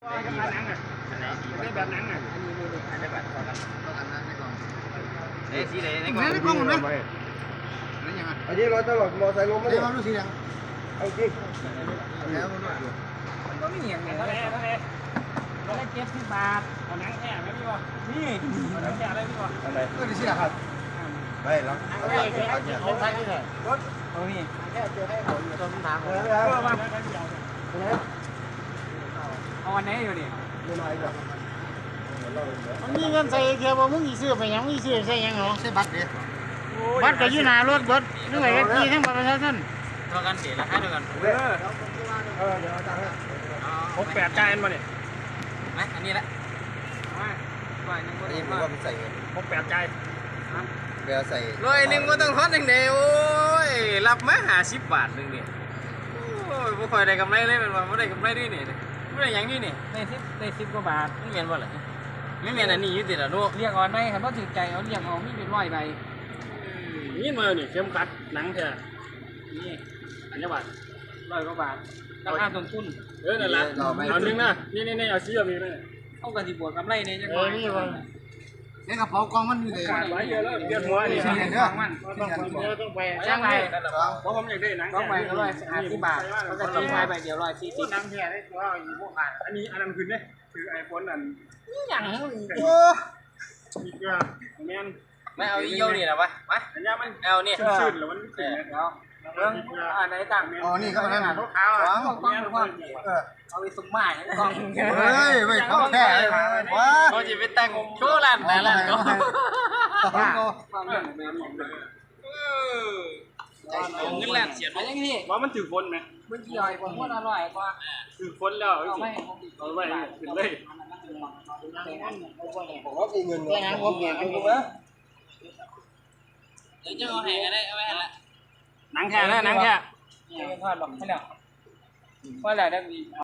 ได้แบบนั้นอ่ะอันนี้แบบต้องอันนั้นให้ก่อนสีไหนในกล้องนั่นยังไงอันนี้รถตลอดมอไซค์ล้มไม่ได้รู้สีแดงเอาจริงแล้วมันก็ไม่เหนียงไงเท่าไหร่70 บาทเอาหนังแค่ไหมพี่บอนี่หนังแค่อะไรพี่บออะไรก็ดีสิครับไม่หรอกเอาใช้ที่ไหนรถเอานี่แค่เจอให้เขาอยู่ตรงทางเอาอันไหนอยู่ดิมันมีเงินใส่เทียบว่ามึงอีซื้อไปยังอีซื้อใส่ยังเหรอใส่บัตรเด็ดบัตรก็ยืนหน้ารถบัตรนึกว่ากันกี่ทั้งบัตรประชาชนเท่ากันสิราคาเท่ากันเดี๋ยวเอาตังค์68จ่ายมาเนี่ยไหมอันนี้แหละนี่ผมว่ามันใส่68จ่ายเวลาใส่1ก็ต้องทอด1เดียวโอ้ยรับมา50 บาทนึงเนี่ยโอ้ยไม่ค่อยได้กำไรเลยเป็นว่าไม่ได้กำไรด้วยนี่ไม่ได้ยังนี่นี่ได้10 กว่าบาทไม่เมียนบ่เหรอไม่เมียนอันนี้ยืดติดอ่ะลูกเรียกอ่อนไหมครับว่าถือใจเอาเรียกเอามีเป็น100 ใบนี่มาเนี่ยเข้มขัดหนังเถอะนี่อันนี้บาท100 กว่าบาทราคาต้นทุนนั่นแหละเอาหนึ่งนะนี่เอาชี้แบบนี้เลยเอากระติบวกกำไรเนี่ยจังหวะนี่กระเป๋ากองมันมีเลยไว้เยอะแล้วเดือดหัวนี่เรื่องมันต้องไปช่างไรเพราะผมอยากได้หนังต้องไปก็150 บาทเขาจะตีไม้ใบเดียว140หนังแท้ได้ตัวอยู่พวกขาดอันนี้อันนั้นคือเนี่ยคือไอโฟนอันอย่างโอ้อีกอย่างแมนไม่เอาเยี่ยวนี่นะวะมาอันนี้มันเอาเนี่ยชื่นหรือมันขึ้นเนี่ยอันไหนต่างอ๋อนี่ก็นั่นทุกเท้าเอาไปสุ่มไม้กองเฮ้ยไม่เข้าแค่ว้าเขาจะไปแต่งโชว์ร้านไหนร้านก็เงินแหลกเสียบยังไงว่ามันถือคนไหมมันกี่อยผมว่าอร่อยกว่าถือคนแล้วเอาไม่ขึ้นเลยผมว่ามีเงินแค่นั้นผมเงินกูมั้ยเดี๋ยวจะเอาแห่กันได้เอาไว้ละหนังแค่นะหนังแค่ทอดบอกให้แล้วว่าอะไรได้มี